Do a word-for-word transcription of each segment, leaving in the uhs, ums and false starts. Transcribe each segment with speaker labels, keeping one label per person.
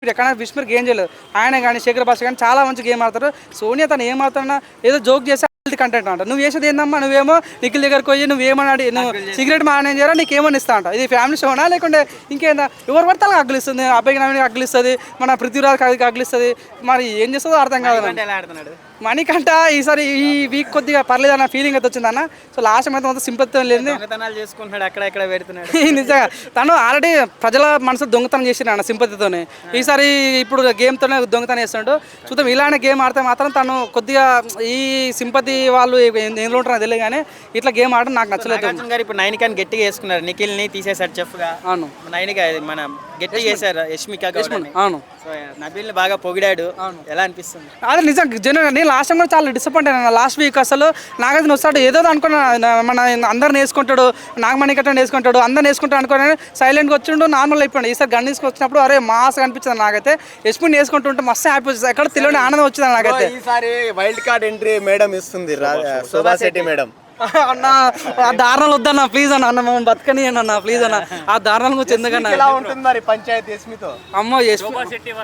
Speaker 1: ఎక్కడ విస్మర్ గేమ్ చేయలేదు. ఆయన కానీ శేఖర్ భాష కానీ చాలా మంచి గేమ్ ఆడతారు. సోనియా తను ఏం ఆడుతున్నా ఏదో జోక్ చేసి కంటెంట్ అంట. నువ్వు చేసేది ఏందమ్మా, నువ్వేమో నిఖిల్ దగ్గరకు పోయి నువ్వేమన్నాడు, నువ్వు సిగరెట్ మానేం చేయరా, నీకేమని ఇస్తా అంట. ఇది ఫ్యామిలీ షోనా లేకుంటే ఇంకేందా? ఎవరు పడితే అలా అగ్గిలిస్తుంది. అబ్బాయికి నవ్వుకి అగ్గిలిస్తుంది, మన పృథ్వీరాజ్ అగ్గిలిస్తుంది. మరి ఏం చేస్తుందో అర్థం కాదు. మణికంట ఈసారి ఈ వీక్ కొద్దిగా పర్లేదు అన్న ఫీలింగ్ అయితే వచ్చిందన్న. సో లాస్ట్ అయితే మొత్తం సింపతితో లేదు,
Speaker 2: చేసుకుంటున్నాడు అక్కడ ఎక్కడ పెడుతున్నాడు.
Speaker 1: నిజంగా తను ఆల్రెడీ ప్రజల మనసు దొంగతనం చేసిన అన్న సింపతితోనే. ఈసారి ఇప్పుడు గేమ్తోనే దొంగతనం చేస్తున్నాడు. చూద్దాం ఇలానే గేమ్ ఆడితే మాత్రం తను కొద్దిగా ఈ సింపతి వాళ్ళు ఎందులో ఉంటారో తెలియదు కానీ ఇట్లా గేమ్ ఆడడం నాకు నచ్చలేదు.
Speaker 2: ఇప్పుడు నైనికాని గట్టిగా వేసుకున్నారు, నిఖిల్ ని తీసేశారు చెఫ్గా.
Speaker 1: అవును,
Speaker 2: నైనిక మన గట్టిగా చేశారు యష్మిక.
Speaker 1: అవును,
Speaker 2: నబీల్ ని బాగా పొగిడాడు. ఎలా అనిపిస్తుంది?
Speaker 1: అదే నిజం జనరల్ నేను లాస్ట్ టైం కూడా చాలా డిసప్పాయింట్ అయినా. లాస్ట్ వీక్ అసలు నాగైతే వస్తాడు ఏదో అనుకున్నా, మన అందరిని వేసుకుంటాడు, నాగమణి కట్ట వేసుకుంటాడు, అందరిని వేసుకుంటాడు అనుకుని సైలెంట్గా వచ్చిండు, నార్మల్ అయిపోయాడు. ఈసారి గన్ తీసుకొచ్చినప్పుడు అరే మాస్ అనిపించింది నాకైతే. యశ్మిని వేసుకుంటుంటే మస్తు హ్యాపీ వచ్చింది, ఎక్కడ తెలియని ఆనందం వచ్చింది నాకైతే.
Speaker 3: ఈసారి వైల్డ్ కార్డ్ ఎంట్రీ మేడం ఇస్తుంది శోభా శెట్టి మేడం.
Speaker 1: అన్న ఆ దారుణాలు వద్దన్న ప్లీజ్ అన్న, అన్న మమ్మల్ని బతకని అన్న ప్లీజ్ అన్న. ఆ దారుణాల గురించి ఎందుకన్నా
Speaker 3: పంచాయతీ యశ్మితో
Speaker 1: అమ్మో యశ్మి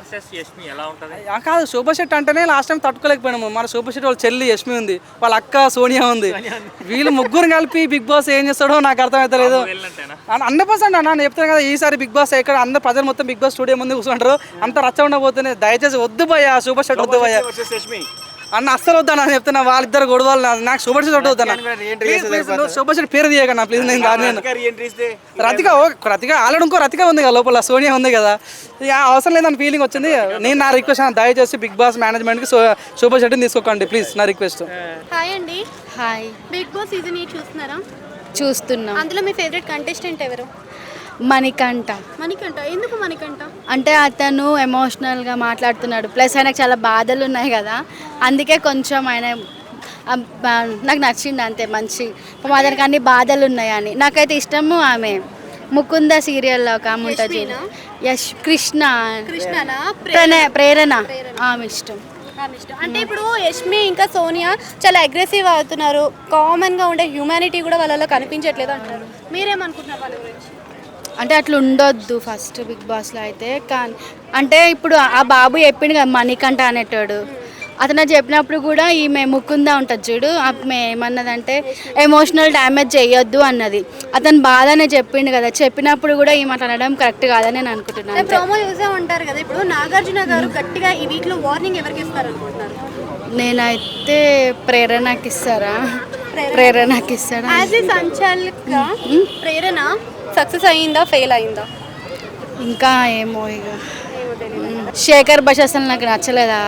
Speaker 1: కాదు, శోభా శెట్టి అంటేనే లాస్ట్ టైం తట్టుకోలేకపోయినాము. మన శోభా శెట్టి వాళ్ళ చెల్లి యశ్మి ఉంది, వాళ్ళ అక్క సోనియా ఉంది. వీళ్ళు ముగ్గురు కలిపి బిగ్ బాస్ ఏం చేస్తాడో నాకు అర్థమవుతలేదు. హండ్రెడ్ పర్సెంట్ అన్న నేను చెప్తాను కదా, ఈసారి బిగ్ బాస్ ఎక్కడ అందరు ప్రజలు మొత్తం బిగ్ బాస్ స్టూడియో ముందు కూర్చుంటారు, అంత రచ్చ ఉండబోతుంది. దయచేసి వద్దు భయ్యా శోభా శెట్టి వద్దు భయ్యా అన్న, అస్సలు వద్దన్నా చెప్తున్నా. వాళ్ళిద్దరు గొడవలు నాకు శోభా శెట్టి వద్దు వద్దన్నా. శోభా శెట్టి పేరు తీయకన్నా ప్లీజ్. నేను నేను రతిక ఓ రతిక ఆల్రెడీ ఇంకో రతిక ఉంది కదా లోపల, సోనియా ఉంది కదా, ఇక అవసరం లేదని ఫీలింగ్ వచ్చింది. నేను నా రిక్వెస్ట్ దయచేసి బిగ్ బాస్ మేనేజ్మెంట్కి శోభా శెట్టిని తీసుకోకండి ప్లీజ్, నా రిక్వెస్ట్.
Speaker 4: హాయ్ అండి.
Speaker 5: Hi.
Speaker 4: Big boss season eight చూస్తున్నారా?
Speaker 5: చూస్తున్నా.
Speaker 4: అందులో మీ ఫేవరెట్ కంటెస్టెంట్ ఎవరు?
Speaker 5: మణికంఠ.
Speaker 4: మణికంఠ ఎందుకు మణికంఠ?
Speaker 5: అంటే అతను ఎమోషనల్గా మాట్లాడుతున్నాడు, ప్లస్ ఆయనకు చాలా బాధలు ఉన్నాయి కదా, అందుకే కొంచెం ఆయన నాకు నచ్చింది అంతే. మంచి అతనికి అన్ని బాధలు ఉన్నాయని నాకైతే ఇష్టము. ఆమె ముకుంద సీరియల్లో ఒక ఆమె ఉంటుంది, యశ్ కృష్ణ ప్రేరణ, ఆమె ఇష్టం.
Speaker 4: అంటే ఇప్పుడు యష్మి ఇంకా సోనియా చాలా అగ్రెసివ్ అవుతున్నారు, కామన్గా ఉండే హ్యూమానిటీ కూడా వాళ్ళలో కనిపించట్లేదు అంటారు. మీరేమనుకుంటున్నారు వాళ్ళ గురించి?
Speaker 5: అంటే అట్లా ఉండొద్దు ఫస్ట్ బిగ్ బాస్లో అయితే. కానీ అంటే ఇప్పుడు ఆ బాబు చెప్పిండు కదా మణికంఠ అనేటాడు, అతను చెప్పినప్పుడు కూడా ఈమె ముకుందా ఉంటుంది చూడు, ఆమె ఏమన్నదంటే ఎమోషనల్ డ్యామేజ్ చేయొద్దు అన్నది. అతను బాధనే చెప్పిండు కదా, చెప్పినప్పుడు కూడా ఈమె అట్లా అనడం కరెక్ట్ కాదని నేను అనుకుంటున్నాను.
Speaker 4: ప్రోమో చూసే ఉంటారు కదా, ఇప్పుడు నాగార్జున గారు గట్టిగా ఈ వీక్లో వార్నింగ్ ఎవరికి ఇస్తారు అనుకుంటున్నారు?
Speaker 5: నేనైతే ప్రేరణకి ఇస్తారా? ప్రేరణకి ఇస్తారా?
Speaker 4: యాజ్ ఏ సంచాలక ప్రేరణ సక్సెస్ అయ్యిందా ఫెయిల్ అయిందా?
Speaker 5: ఇంకా ఏమో ఇక శేఖర్ భాష అసలు నాకు నచ్చలేదా.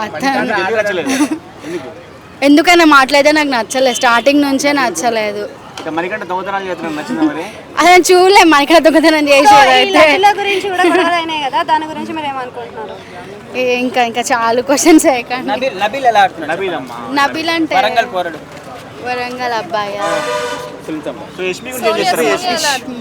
Speaker 5: ఎందుకైనా మాట్లాడితే నాకు నచ్చలేదు, స్టార్టింగ్ నుంచే నచ్చలేదు. అదే చూడలే మణికంఠ దొంగతనం చేసేది అయితే. ఇంకా ఇంకా చాలా క్వశ్చన్స్ నబీల్ అంటే వరంగల్ అబ్బాయి.